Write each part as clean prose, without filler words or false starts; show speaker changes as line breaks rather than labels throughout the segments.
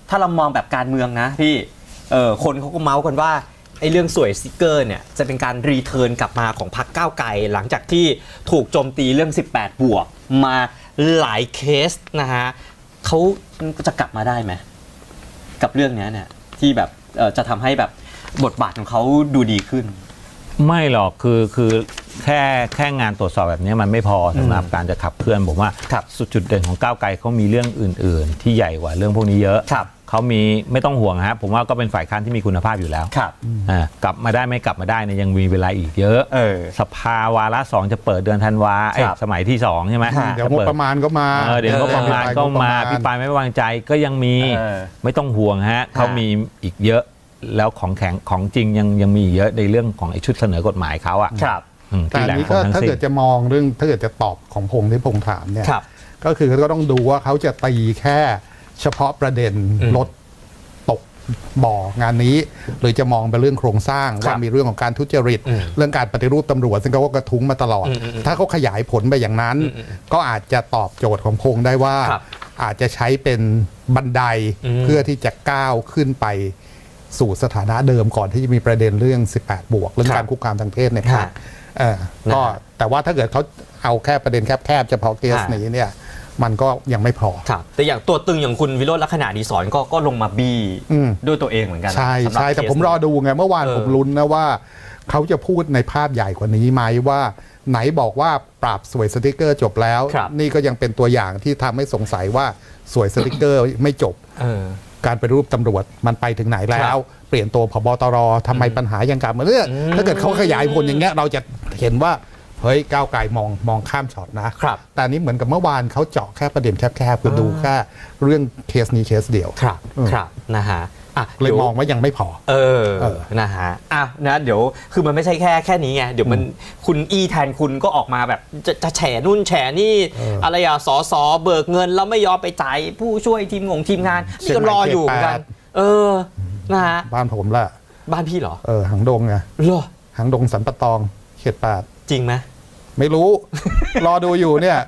ถ้าเรามองแบบการเมืองนะพี่คนเขาก็เมาส์กันว่าไอ้เรื่องสวยสติ๊กเกอร์เนี่ยจะเป็นการรีเทิร์นกลับมาของพรรคก้าวไกลหลังจากที่ถูกโจมตีเรื่อง18บวกมาหลายเคสนะฮะเขาจะกลับมาได้ไหมกับเรื่องนี้เนี่ยที่แบบจะทำให้แบบบทบาทของเขาดูดีขึ้น
ไม่หรอกคือแค่งานตรวจสอบแบบนี้มันไม่พอสำหรับการจะขับเคลื่อนผมว่าจุดเด่นของก้าวไกลเขามีเรื่องอื่นๆที่ใหญ่กว่าเรื่องพวกนี้เยอะเขามีไม่ต้องห่วงครับผมว่าก็เป็นฝ่ายค้านที่มีคุณภาพอยู่แล้วกลับมาได้ไม่กลับมาได้เนี่ยยังมีเวลาอีกเยอะสภาวาระ2จะเปิดเดือนธันวาสมัยที่2ใช่ไหม
เดี๋ยวงบประมาณก็มา
เดี๋ยวงบประมาณก็มาพี่ปายไม่วางใจก็ยังมีไม่ต้องห่วงฮะเขามีอีกเยอะแล้วของแข็งของจริงยังมีเยอะในเรื่องของไอ้ชุดเสนอกฎหมายเขาอ่ะ
แต่อันนี้ก็ถ้าเกิดจะมองเรื่องถ้าเกิดจะตอบของพงษ์ที่พงษ์ถามเนี่ยก็คือก็ต้องดูว่าเขาจะตีแค่เฉพาะประเด็นรถตกบ่องานนี้หรือจะมองไปเรื่องโครงสร้างว่ามีเรื่องของการทุจริตเรื่องการปฏิรูปตำรวจซึ่งเขาก็กระทุ้งมาตลอดถ้าเขาขยายผลไปอย่างนั้นก็อาจจะตอบโจทย์ของพงษ์ได้ว่าอาจจะใช้เป็นบันไดเพื่อที่จะก้าวขึ้นไปสู่สถานะเดิมก่อนที่จะมีประเด็นเรื่อง18บวกเรื่องการคุกคามทางเพศเนี่ยก็แต่ว่าถ้าเกิดเขาเอาแค่ประเด็นแคบๆเฉพาะเคสนี้เนี่ยมันก็ยังไม่พอ
แต่อย่างตัวตึงอย่างคุณวิโรจน์ลักษณะดีศรก็ลงมาบี้ด้วยตัวเองเหมือนกัน
ใช่แต่ผมรอดูไงเมื่อวานผมลุ้นนะว่าเขาจะพูดในภาพใหญ่กว่านี้ไหมว่าไหนบอกว่าปราบสวยสติ๊กเกอร์จบแล้วนี่ก็ยังเป็นตัวอย่างที่ทำให้สงสัยว่าสวยสติ๊กเกอร์ไม่จบการปฏิรูปตำรวจมันไปถึงไหนแล้วเปลี่ยนตัวผบตรทำไมปัญหายังกลับมาเรื่องถ้าเกิดเขาขยายผลอย่างเงี้ยเราจะเห็นว่าเฮ้ยก้าวไกลมองข้ามช็อตนะแต่นี้เหมือนกับเมื่อวานเขาเจาะแค่ประเด็นแคบๆคือดูแค่เรื่องเคสนี้เคสเดียว
ครับนะฮะ
เลยมองว่ายังไม่พอ
นะฮะนะเดี๋ยวคือมันไม่ใช่แค่นี้ไงเดี๋ยวมันคุณแทนคุณก็ออกมาแบบจะแฉนู่นแฉนี่อะไรสเบิกเงินแล้วไม่ยอมไปจ่ายผู้ช่วยทีมงานนี่ก็รออยู่เหมือนกันนะฮะ
บ้านผมละ
บ้านพี่เหรอ
หางดงไง
เหรอ
หางดงสันปะตองเขต8
จริงไหม
ไม่รู้ รอดูอยู่เนี่ย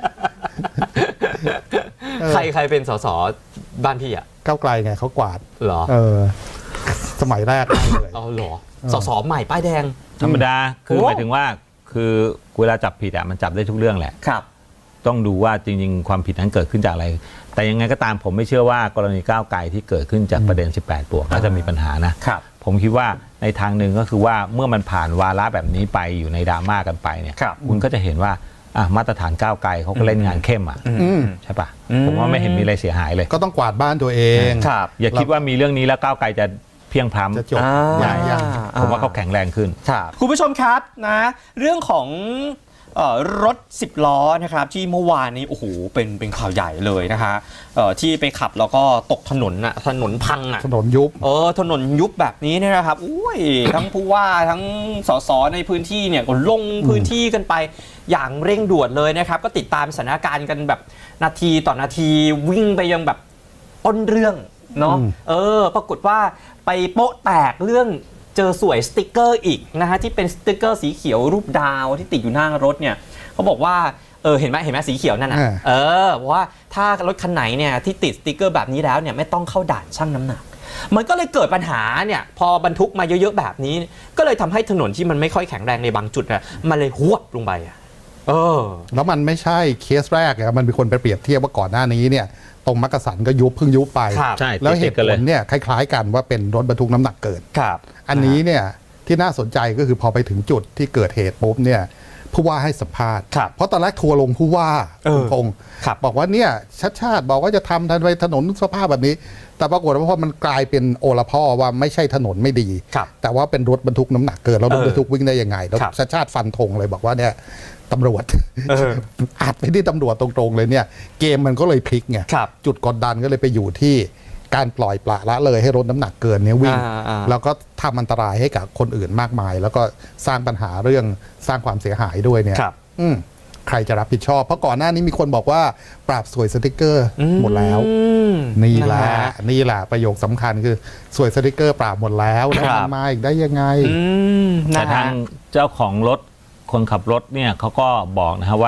ใครเป็นสสบ้านพี่อ่ะ
ก้าวไกลไงเขากวาด
เหรอ
สมัยแรกเลย
เหรอสสใหม่ป้ายแดง
ธรรมดาคือหมายถึงว่าคือเวลาจับผิดมันจับได้ทุกเรื่องแหละ
ครับ
ต้องดูว่าจริงๆความผิดนั้นเกิดขึ้นจากอะไรแต่ยังไงก็ตามผมไม่เชื่อว่ากรณีก้าวไกลที่เกิดขึ้นจากประเด็น18บวกแล้วจะมีปัญหานะครับผมคิดว่าในทางหนึ่งก็คือว่าเมื่อมันผ่านวาระแบบนี้ไปอยู่ในดราม่ากันไปเนี่ยคุณก็จะเห็นว่ามาตรฐานก้าวไกลเขาก็เล่นงานเข้มใช่ปะผมว่าไม่เห็นมีอะไรเสียหายเลย
ก็ต้องกวาดบ้านตัวเอง
อย่าคิดว่ามีเรื่องนี้แล้วก้าวไกลจะเพียงพล้ำผมว่าเขาแข็งแรงขึ้น
คุณผู้ชมครับนะเรื่องของรถ10ล้อนะครับที่เมื่อวานนี้โอ้โหเป็นข่าวใหญ่เลยนะฮะที่ไปขับแล้วก็ตกถนนถนนพัง
ถนนยุบ
ถนนยุบแบบนี้เนี่ยนะครับอุ้ยทั้งผู้ว่าทั้งสสในพื้นที่เนี่ยก็ลงพื้นที่กันไปอย่างเร่งด่วนเลยนะครับก็ติดตามสถานการณ์กันแบบนาทีต่อนาทีวิ่งไปยังแบบต้นเรื่องเนาะปรากฏว่าไปโป๊ะแตกเรื่องเจอสวยสติ๊กเกอร์อีกนะฮะที่เป็นสติ๊กเกอร์สีเขียวรูปดาวที่ติดอยู่หน้ารถเนี่ยเขาบอกว่าเห็นไหมสีเขียวนั่นน่ะบอกว่าถ้ารถคันไหนเนี่ยที่ติดสติ๊กเกอร์แบบนี้แล้วเนี่ยไม่ต้องเข้าด่านชั่งน้ำหนักมันก็เลยเกิดปัญหาเนี่ยพอบรรทุกมาเยอะๆแบบนี้ก็เลยทำให้ถนนที่มันไม่ค่อยแข็งแรงในบางจุดนะมันเลยหวบลงไป
แล้วมันไม่ใช่เคสแรกมันมีคนไปเปรียบเทียบว่าก่อนหน้านี้เนี่ยตรงมักกะสันก็เพิ่งยุบไปแล้วเหตุผลเนี่ยคล้ายๆกันว่าเป็นรถบรรทุกน้ำหนักเกินอันนี้เนี่ยที่น่าสนใจก็คือพอไปถึงจุดที่เกิดเหตุปุ๊บเนี่ยผู้ว่าให้สัมภาษณ์เพราะตอนแรกทัวร์ลงผู้ว่าพงศ์บอกว่าเนี่ยชาติบอกว่าจะทำทันไปถนนสภาพแบบนี้แต่ปรากฏว่าพอมันกลายเป็นโอละพ่อว่าไม่ใช่ถนนไม่ดีแต่ว่าเป็นรถบรรทุกน้ำหนักเกินแล้วรถบรรทุกวิ่งได้ยังไงแล้วชาติฟันธงเลยบอกว่าเนี่ยตำรวจอัดไปที่ตำรวจตรงๆเลยเนี่ยเกมมันก็เลยพลิกไงจุดกดดันก็เลยไปอยู่ที่การปล่อยปละละเลยให้รถน้ำหนักเกินเนี่ยวิ่งแล้วก็ทำอันตรายให้กับคนอื่นมากมายแล้วก็สร้างปัญหาเรื่องสร้างความเสียหายด้วยเนี่ยใครจะรับผิดชอบเพราะก่อนหน้านี้มีคนบอกว่าปราบสวยสติ๊กเกอร์หมดแล้วนี่แหละประโยคสำคัญคือสวยสติ๊กเกอร์ปราบหมดแล้วแล้วมันมาอีกได้ยังไง
แต่ทางเจ้าของรถคนขับรถเนี่ยเขาก็บอกนะครับว่า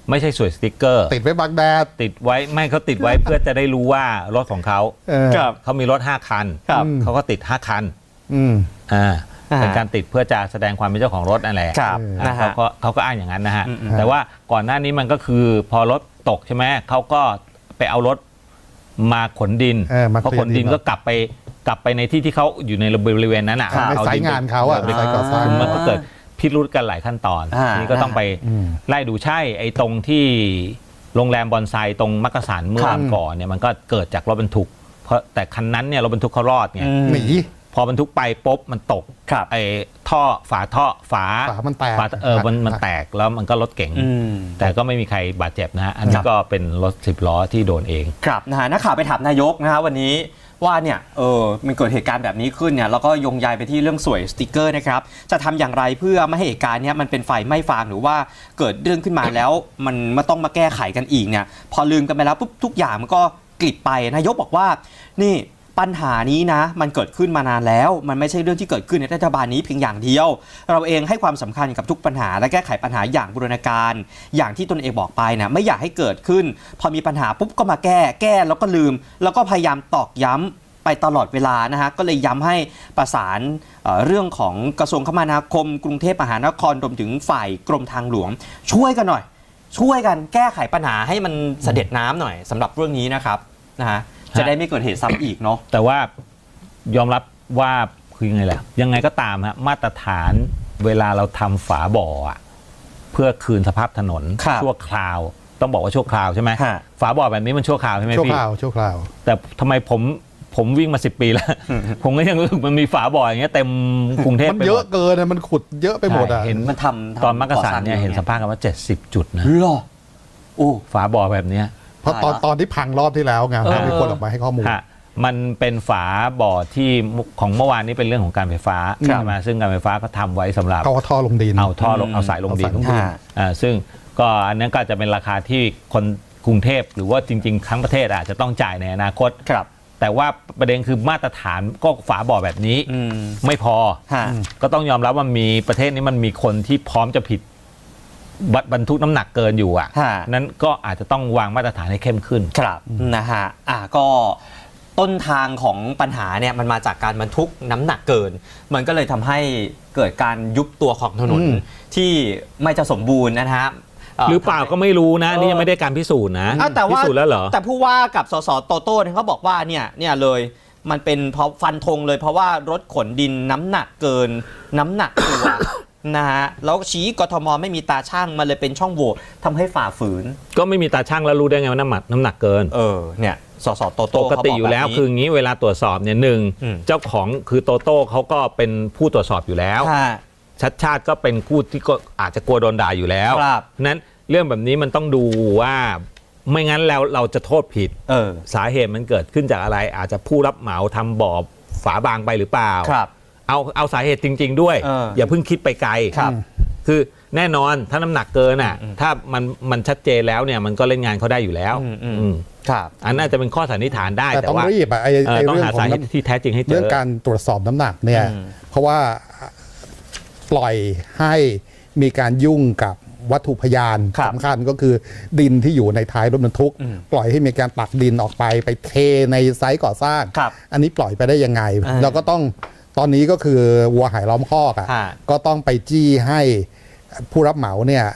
ไม่ใช่สวยสติ๊กเกอร์
ติดไว้บังแดด
ติดไว้ไม่เขาติดไว้ เพื่อจะได้รู้ว่ารถของเขา
ครับ
เขามีรถ5คัน
ครับ
เขาก็ติด5คัน
อืม
เป็นการติดเพื่อจะแสดงความเป็นเจ้าของรถนั่นแหละ
ครับนะฮะ
เขาก็อ้างอย่างนั้นนะฮะ
อืม
แต่ว่าก่อนหน้านี้มันก็คือพอรถตกใช่ไหมเขาก็ไปเอารถมาขนดิน
มา
พอขนดินก็กลับไปในที่เขาอยู่ในบริเวณนั้นอ่ะ
ในสายงานเขาอ่ะ
ไป
สายก่อสร้าง
มันก็เกิดพิรุธกันหลายขั้นตอน นี่ก็ต้องไปไล่ดูใช่ไอ้ตรงที่โรงแรมบอนไซตรงมักกะสันเมื่อวันก่อนเนี่ยมันก็เกิดจากรถบรรทุกเพราะแต่คันนั้นเนี่ยรถบรรทุกเขารอดไง
หนี
พอบรรทุกไปปุ๊บมันตก
ครับ
ไอ้ฝา
มันแตก
มันแตกแล้วมันก็รถเก๋งแต่ก็ไม่มีใครบาดเจ็บนะฮะอันนี้ก็เป็นรถ10 ล้อที่โดนเอง
ครับนะฮะนักข่าวไปถามนายกนะฮะวันนี้ว่าเนี่ยมันเกิดเหตุการณ์แบบนี้ขึ้นเนี่ยแล้วก็โยงใยไปที่เรื่องสวยสติกเกอร์นะครับจะทำอย่างไรเพื่อไม่ให้เหตุการณ์เนี้ยมันเป็นไฟไหม้ฟางหรือว่าเกิดเรื่องขึ้นมาแล้วมันมาต้องมาแก้ไขกันอีกเนี่ยพอลืมกันไปแล้วปุ๊บทุกอย่างมันก็กลิบไปนายกบอกว่านี่ปัญหานี้นะมันเกิดขึ้นมานานแล้วมันไม่ใช่เรื่องที่เกิดขึ้นในรัฐบาลนี้เพียงอย่างเดียวเราเองให้ความสำคัญกับทุกปัญหาและแก้ไขปัญหาอย่างบูรณาการอย่างที่ตนเองบอกไปนะไม่อยากให้เกิดขึ้นพอมีปัญหาปุ๊บก็มาแก้แล้วก็ลืมแล้วก็พยายามตอกย้ำไปตลอดเวลานะฮะก็เลยย้ำให้ประสานเรื่องของกระทรวงคมนาคมกรุงเทพมหานครรวมถึงฝ่ายกรมทางหลวงช่วยกันหน่อยช่วยกันแก้ไขปัญหาให้มันเสด็จน้ำหน่อยสำหรับเรื่องนี้นะครับนะฮะจะได้ไม่เกิดเหตุซ้ำอีกเนาะ
แต่ว่ายอมรับว่าคือยังไงแหละยังไงก็ตามฮะมาตรฐานเวลาเราทำฝาบ่อเพื่อคืนสภาพถนนชั่วคราวต้องบอกว่าชั่วคราวใช่ไหมฝาบ่อแบบนี้มันชั่วคราวใช่ไหมพี่
ชั่วคราว
แต่ทำไมผมวิ่งมา10 ปีแล้ว ผมก็ยังรู้สึกมันมีฝาบ่ออย่างเงี้ยเต็มกรุงเทพ
มันเยอะเกินมันขุดเยอะไปหมดอ่ะ
เห็น
มันทำ
ตอนมักกะสันเนี่ยเห็นสภาพกันว่า70 จุดนะ
หรอโอ้
ฝาบ่อแบบเนี้ย
เพราะตอนที่พังรอบที่แล้วไงมีคนออกมาให้ข้อมูล
มันเป็นฝาบ่อที่ของเมื่อวานนี้เป็นเรื่องของการไฟฟ้าใช่ไหมซึ่งการไฟฟ้าก็ทำไว้สำหรับ
เอาท่อลงดิน
เอาสายลงดินซึ่งก็อันนั้นก็จะเป็นราคาที่คนกรุงเทพหรือว่าจริงๆทั้งประเทศอาจจะต้องจ่ายในอนาคตแต่ว่าประเด็นคือมาตรฐานก็ฝาบ่อแบบนี้ไม่พอก็ต้องยอมรับว่ามีประเทศนี้มันมีคนที่พร้อมจะผิดบรรทุกน้ำหนักเกินอยู่นั้นก็อาจจะต้องวางมาตรฐานให้เข้มขึ้น
ครับนะฮะก็ต้นทางของปัญหาเนี่ยมันมาจากการบรรทุกน้ำหนักเกินมันก็เลยทำให้เกิดการยุบตัวของถนนที่ไม่จะสมบูรณ์นะฮะ
หรือเปล่าก็ไม่รู้นะนี่ยังไม่ได้การพิสูจน์นะพิสูจน์แล้วเหรอ
แต่ผู้ว่ากับสสโตโต้เขาบอกว่าเนี่ยเลยมันเป็นเพราะฟันธงเลยเพราะว่ารถขนดินน้ำหนักเกินน้ำหนักตัว นะฮะแล้วชี้กทมไม่มีตาช่างมันเลยเป็นช่องโหว่ทำให้ฝ่าฝืน
ก็ไม่มีตาช่างแล้วรู้ได้ไงว่าน้ำหนักเกิน
เนี่ยสสโตโต้
ปกติอยู่แล้วคืองี้เวลาตรวจสอบเนี่ยหนึ่งเจ้าของคือโตโต้เขาก็เป็นผู้ตรวจสอบอยู่แล้วชัดชาติก็เป็นผู้ที่ก็อาจจะกลัวโดนด่าอยู่แล้วนั้นเรื่องแบบนี้มันต้องดูว่าไม่งั้นแล้วเราจะโทษผิดสาเหตุมันเกิดขึ้นจากอะไรอาจจะผู้รับเหมาทำบ่อฝาบางไปหรือเปล่าเอาสาเหตุจริงๆด้วยอย่าเพิ่งคิดไปไกลคือแน่นอนถ้าน้ำหนักเกินถ้ามันชัดเจนแล้วเนี่ยมันก็เล่นงานเขาได้อยู่แล้วอันน่าจะเป็นข้อสันนิษฐานได้
แต่ต้องรีบ
ต้องหาสาเหตุที่แท้จริงให้เจอ
เรื่องการตรวจสอบน้ำหนักเนี่ยเพราะว่าปล่อยให้มีการยุ่งกับวัตถุพยานสำคัญก็คือดินที่อยู่ในท้ายรถบรรทุกปล่อยให้มีการตักดินออกไปเทในไซต์ก่อสร้างอันนี้ปล่อยไปได้ยังไงเราก็ต้องตอนนี้ก็คือวัวหายล้อมคอกก็ต้องไปจี้ให้ผู้รับเหมาเนี่ย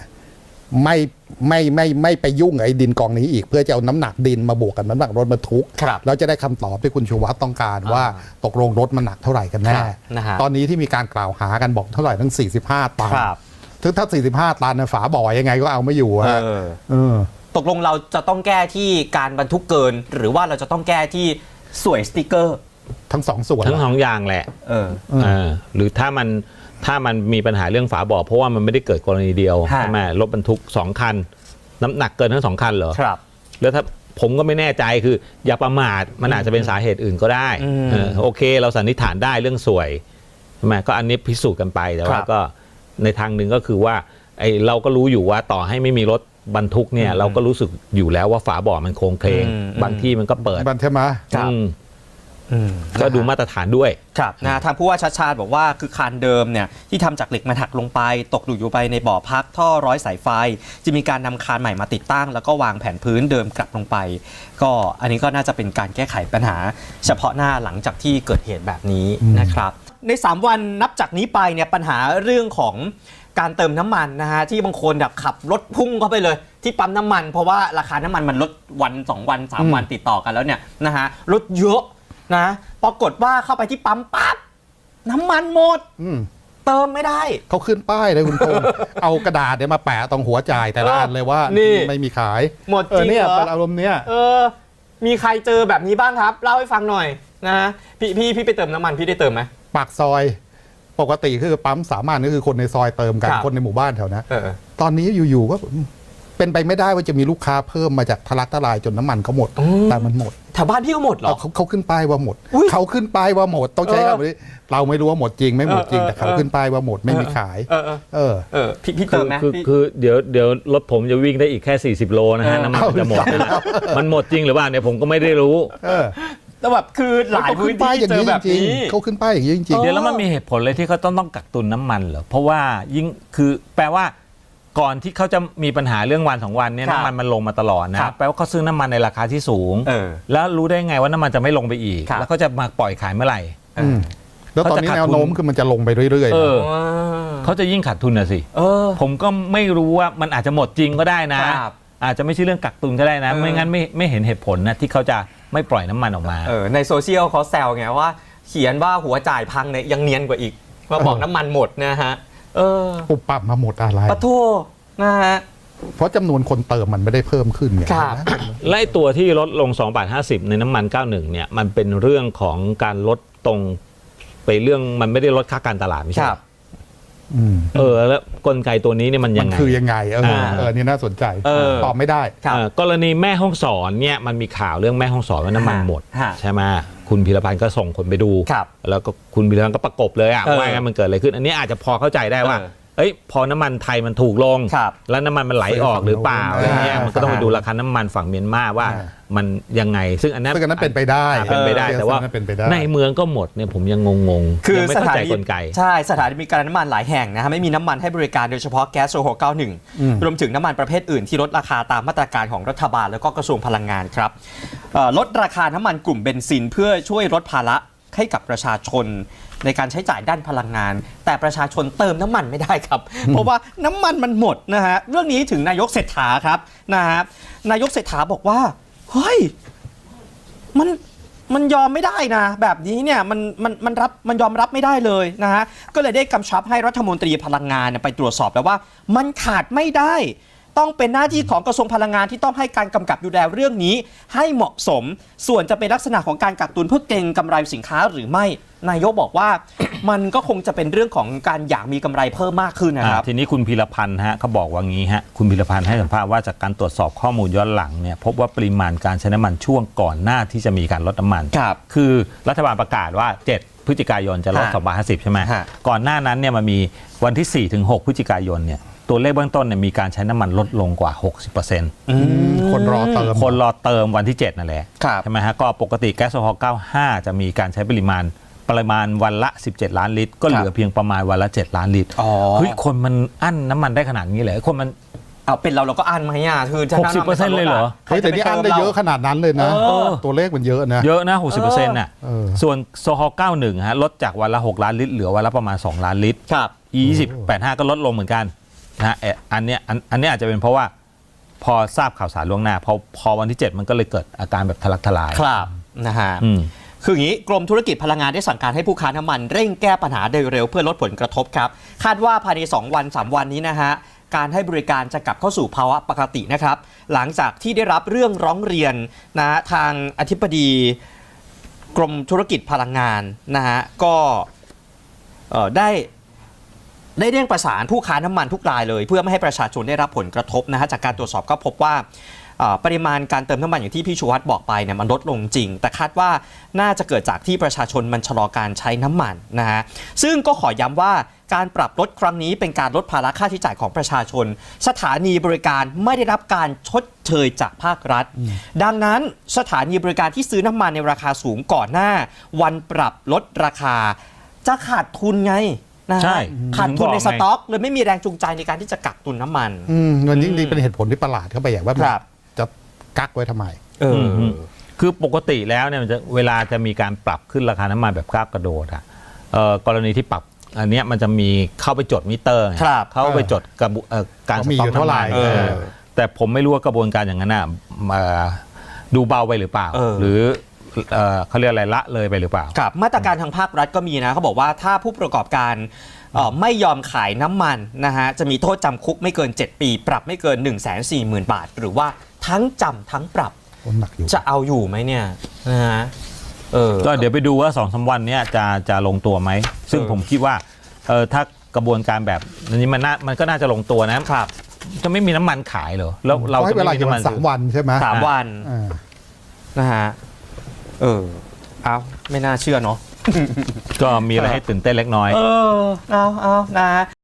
ไม่ไปยุ่งไอ้ดินกองนี้อีกเพื่อจะเอาน้ำหนักดินมาบวกกับน้ำหนักรถบรรทุกแล้วจะได้คำตอบที่คุณชูวัฒน์ต้องการว่าตกลงรถมันหนักเท่าไหร่กันแน่ตอนนี้ที่มีการกล่าวหากันบอกเท่าไหร่ทั้ง45 ตันถึงถ้า45 ตันฝาบ่อยังไงก็เอาไม่อยู่
ตกลงเราจะต้องแก้ที่การบรรทุกเกินหรือว่าเราจะต้องแก้ที่สวยสติ๊กเกอร์
ทั้งสองส่วน
ทั้งสองอย่างแหละหรือถ้ามันมีปัญหาเรื่องฝาบ่อเพราะว่ามันไม่ได้เกิดกรณีเดียวใช่ไหมรถบรรทุก2 คันน้ำหนักเกินทั้ง2 คันเหรอ
ครับ
แล้วถ้าผมก็ไม่แน่ใจคืออย่าประมาทมันอาจจะเป็นสาเหตุอื่นก็ได้โอเคเราสันนิษฐานได้เรื่องสวยใช่ไหมก็อันนี้พิสูจน์กันไปแต่ว่าก็ในทางหนึ่งก็คือว่าเราก็รู้อยู่ว่าต่อให้ไม่มีรถบรรทุกเนี่ยเราก็รู้สึกอยู่แล้วว่าฝาบ่อมันโค้งเคลงบางที่มันก็เปิด
ใช่ไหม
ก็ดูมาตรฐานด้วย
ครับทางผู้ว่าชัดชาติบอกว่าคือคานเดิมเนี่ยที่ทำจากเหล็กมันหักลงไปตกอยู่ไปในบ่อพักท่อร้อยสายไฟจะมีการนำคานใหม่มาติดตั้งแล้วก็วางแผนพื้นเดิมกลับลงไปก็อันนี้ก็น่าจะเป็นการแก้ไขปัญหาเฉพาะหน้าหลังจากที่เกิดเหตุแบบนี้นะครับใน3วันนับจากนี้ไปเนี่ยปัญหาเรื่องของการเติมน้ำมันนะฮะที่บางคนแบบขับรถพุ่งเข้าไปเลยที่ปั๊มน้ำมันเพราะว่าราคาน้ำมันมันลดวัน2วัน3วันติดต่อกันแล้วเนี่ยนะฮะลดเยอะนะปรากฏว่าเข้าไปที่ปั๊มปั๊บน้ำมันหมดเติมไม่ได้
เขาขึ้นป้ายเลยคุณพงษ์ เอากระดาษเนี่ยมาแปะตรงหัวจ่ายแต่ละอันเลยว่าไม่มีขาย
หมดจริง
เนี่ยเป็นอารมณ์เนี้ย
มีใครเจอแบบนี้บ้างครับเล่าให้ฟังหน่อยนะพี่ไปเติมน้ำมันพี่ได้เติมไหม
ปากซอยปกติคือปั๊มสามารถก็คือคนในซอยเติมกันคนในหมู่บ้านแถวนั้นตอนนี้อยู่ๆก็เป็นไปไม่ได้ว่าจะมีลูกค้าเพิ่มมาจากทะลักทลายจนน้ำมันเขาหมดแต่มันหมด
แถวบ้านพี่ก็หมดเหรอ
เขาขึ้นป้ายว่าหมดเขาขึ้นป้ายว่าหมดต้องใช้คำนี้เราไม่รู้ว่าหมดจริงไม่หมดจริงแต่เขาขึ้นป้ายว่าหมดไม่มีขาย
พี่เติมไหม
คือเดี๋ยวรถผมจะวิ่งได้อีกแค่40โลนะฮะน้ำมันจะหมดมันหมดจริงหรือเปล่าเนี่ยผมก็ไม่ได้รู้
แต่แบบคือหลายพื้นที่เจอแบบนี้
เขาขึ้นป้ายอย่างนี้จริง
ๆเดี๋ยวแล้วมันมีเหตุผลเลยที่เขาต้องกักตุนน้ำมันเหรอเพราะว่ายิ่งคือแปลว่าก่อนที่เขาจะมีปัญหาเรื่องวัน2วันเนี่ยน้ำมันลงมาตลอดนะแปลว่าเขาซื้อน้ำมันในราคาที่สูงแล้วรู้ได้ไงว่าน้ำมันจะไม่ลงไปอีกแล้วเขาจะมาปล่อยขายเมื่อไหร่
แล้วตอนนี้แนวโน้มคือมันจะลงไปเรื่อย
ๆเขาจะยิ่งขาดทุนนะสิผมก็ไม่รู้ว่ามันอาจจะหมดจริงก็ได้นะอาจจะไม่ใช่เรื่องกักตุนก็ได้นะไม่งั้นไม่เห็นเหตุผลนะที่เขาจะไม่ปล่อยน้ำมันออกมา
ในโซเชียลเขาแซวไงว่าเขียนว่าหัวจ่ายพังเนี่ยยังเนียนกว่าอีกมาบอกน้ำมันหมดนะฮะ
ปุบปับมาหมดอะไร
ปะโทนะฮะ
เพราะจำนวนคนเติมมันไม่ได้เพิ่มขึ้นไง
ไล่ตัวที่ลดลง2.50 บาทในน้ำมัน91เนี่ยมันเป็นเรื่องของการลดตรงไปเรื่องมันไม่ได้ลดค่าการตลาดไม่ใช่แล้วกลไกตัวนี้เนี่ยมันยังไง
คือยังไงนี่น่าสนใจตอบไม่ได้
กรณีแม่ฮ่องสอนเนี่ยมันมีข่าวเรื่องแม่ฮ่องสอนว่าน้ำมันหมดใช่ไหมคุณพีรพันธ์ก็ส่งคนไปดูแล้วก็คุณพีรพันธ์ก็ประกบเลยว่ามันเกิดอะไรขึ้นอันนี้อาจจะพอเข้าใจได้ว่าพอน้ำมันไทยมันถูกลงแล้วน้ำมันมันไหลออกหรือเปล่าอะไรเงี้ยมันก็ต้องไปดูราคาน้ำมันฝั่งเมียนมาว่ามันยังไงซึ่งอันนั้น
เป็นไปได้
แต่ว่าในเมืองก็หมดเนี่ยผมยังงง
คือ
ไม่เข้าใจกลไก
ใช่สถานีบริการน้ำมันหลายแห่งนะฮะไม่มีน้ำมันให้บริการโดยเฉพาะแก๊สโซฮอล์91รวมถึงน้ำมันประเภทอื่นที่ลดราคาตามมาตรการของรัฐบาลแล้วก็กระทรวงพลังงานครับลดราคาน้ำมันกลุ่มเบนซินเพื่อช่วยลดภาระให้กับประชาชนในการใช้จ่ายด้านพลังงานแต่ประชาชนเติมน้ำมันไม่ได้ครับเพราะว่าน้ำมันมันหมดนะฮะเรื่องนี้ถึงนายกเศรษฐาครับนะฮะนายกเศรษฐาบอกว่าเฮ้ยมันยอมไม่ได้นะแบบนี้เนี่ยมันยอมรับไม่ได้เลยนะฮะก็เลยได้กำชับให้รัฐมนตรีพลังงานไปตรวจสอบแล้วว่ามันขาดไม่ได้ต้องเป็นหน้าที่ของกระทรวงพลังงานที่ต้องให้การกำกับดูแลเรื่องนี้ให้เหมาะสมส่วนจะเป็นลักษณะของการกักตุนเพื่อเก็งกำไรสินค้าหรือไม่นายกบอกว่ามันก็คงจะเป็นเรื่องของการอยากมีกำไรเพิ่มมากขึ้นนะครับ
ทีนี้คุณพีรพันธ์ฮะเขาบอกว่างี้ฮะคุณพีรพันธ์ให้สัมภาษณ์ว่าจากการตรวจสอบข้อมูลย้อนหลังเนี่ยพบว่าปริมาณการใช้น้ำมันช่วงก่อนหน้าที่จะมีการลดน้ำมันคือรัฐบาลประกาศว่า7พฤศจิกายนจะลด2.50ใช่ไหมก่อนหน้านั้นเนี่ยมันมีวันที่4-6พฤศจิกายนเนี่ยตัวเลขเบื้องต้นเนี่ยมีการใช้น้ำมันลดลงกว่า 60%
คนรอเ
ติมวันที่7นั่นแหละใช่ไหมฮะก็ปกติแก๊สโซฮอล์95จะมีการใช้ปริมาณวันละ17ล้านลิตรก็เหลือเพียงประมาณวันละ7ล้านลิตรเฮ้ยคนมันอั้นน้ำมันได้ขนาดนี้เลยคนมัน
เป็นเราก็อั้นไหมอ่ะคือ
60%เลยเหรอ
แต่นี่อั้นได้เยอะขนาดนั้นเลยนะตัวเลขมันเยอะนะ
60%น่ะส่วนโซฮอล์91ฮะลดจากวันละ6ล้านลิตรเหลือวันละประมาณ2ล้านลิตรE2085ก็ลดลงเหมือนกันนะอันนี้อาจจะเป็นเพราะว่าพอทราบข่าวสารล่วงหน้าพอวันที่7มันก็เลยเกิดอาการแบบทะลักทลาย
ครับนะฮะคืออย่างนี้กรมธุรกิจพลังงานได้สั่งการให้ผู้ค้าน้ำมันเร่งแก้ปัญหาโดยเร็วเพื่อลดผลกระทบครับคาดว่าภายใน2วัน3วันนี้นะฮะการให้บริการจะกลับเข้าสู่ภาวะปกตินะครับหลังจากที่ได้รับเรื่องร้องเรียนนะทางอธิบดีกรมธุรกิจพลังงานนะฮะก็ได้เร่งประสานผู้ค้าน้ำมันทุกรายเลยเพื่อไม่ให้ประชาชนได้รับผลกระทบนะฮะจากการตรวจสอบก็พบว่าปริมาณการเติมน้ำมันอย่างที่พี่ชูวัฒน์บอกไปเนี่ยมันลดลงจริงแต่คาดว่าน่าจะเกิดจากที่ประชาชนมันชะลอการใช้น้ำมันนะฮะซึ่งก็ขอย้ำว่าการปรับลดครั้งนี้เป็นการลดภาระค่าใช้จ่ายของประชาชนสถานีบริการไม่ได้รับการชดเชยจากภาครัฐดังนั้นสถานีบริการที่ซื้อน้ำมันในราคาสูงก่อนหน้าวันปรับลดราคาจะขาดทุนไงนะฮะ
ใช่
ขาดทุนในสต็อกเลยไม่มีแรงจูงใจในการที่จะกักตุนน้ำมัน
มันยิ่งดีเป็นเหตุผลที่ประหลาดเข้าไปอย่างว่า
ครับ
จะกักไว้ทำไม
คือปกติแล้วเนี่ยมันจะเวลาจะมีการปรับขึ้นราคาน้ำมันแบบก้าวกระโดดอ่ะกรณีที่ปรับอันเนี้ยมันจะมีเข้าไปจดมิเตอร์ไง
ครับ
เข้าไปจดการส
มี
ต็
อ
อก
ยู่เท่าไหร่
น้ำมันแต่ผมไม่รู้ว่ากระบวนการอย่างนั้นน่ะดูเบาไปหรือเปล่า หรือเขาเรียกอะไรละเลยไปหรือเปล่า
ครับมาตรการทางภาครัฐก็มีนะเขาบอกว่าถ้าผู้ประกอบการไม่ยอมขายน้ำมันนะฮะจะมีโทษจำคุกไม่เกิน 7 ปี ปรับไม่เกิน 140,000 บาท หรือว่าทั้งจำทั้งปรับ
หนักอยู่
จะเอาอยู่ไหมเนี่ยนะฮะ
ก็เดี๋ยวไปดูว่า2-3 วันเนี้ยจะลงตัวไหมซึ่งผมคิดว่าถ้ากระบวนการแบบนี้มันก็น่าจะลงตัวนะครับ จะไม่มีน้ำมันขายเหรอแล้วเราจะ
เวลา
ไม่มี
อยู่
น้ำมัน
3 วันใช่ไหม
3 วัน
อ่า
นะฮะเอาไม่น่าเชื่อเนาะ
ก็มีอะไรให้ตื่นเต้นเล็กน้อย
เอานะฮะ